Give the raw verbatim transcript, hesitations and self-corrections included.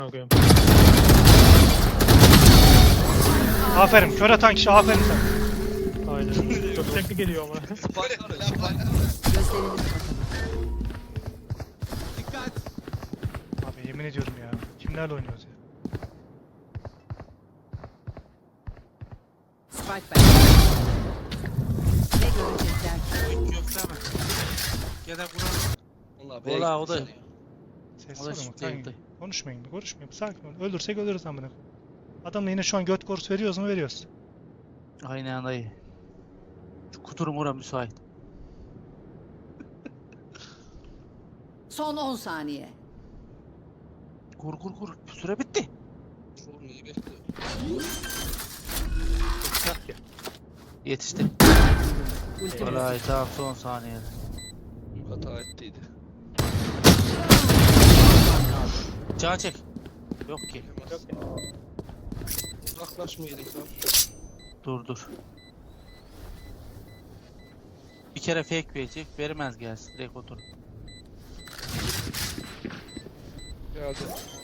Koyayım. Aferin. Kör atan kişi aferin sen. Aynen. Çok tekli geliyor ama. Abi yemin ediyorum ya. Kimlerle oynuyoruz ya? Spike back. Ne görecekler ki? Yok yok deme. Ya da Kur'an. Ola o da. Ses O da var ama shift kanka. değildi. Konuşmayın, konuşmayın. Sakin ol. Öldürsek ölürüz amına. Adamla yine şu an göt korusu veriyoruz mu? Veriyoruz. Aynen dayı. Şu kuturum ora müsait. Son on saniye. Kur kur kur. Süre bitti. Yetişti. Vallahi tamam son saniyede. Hata ettiydi. Can çek. Yok ki. Uzaklaşmayalım lan. Dur dur. Bir kere fake verecek. Vermez gelsin. Direkt otur. Geldi.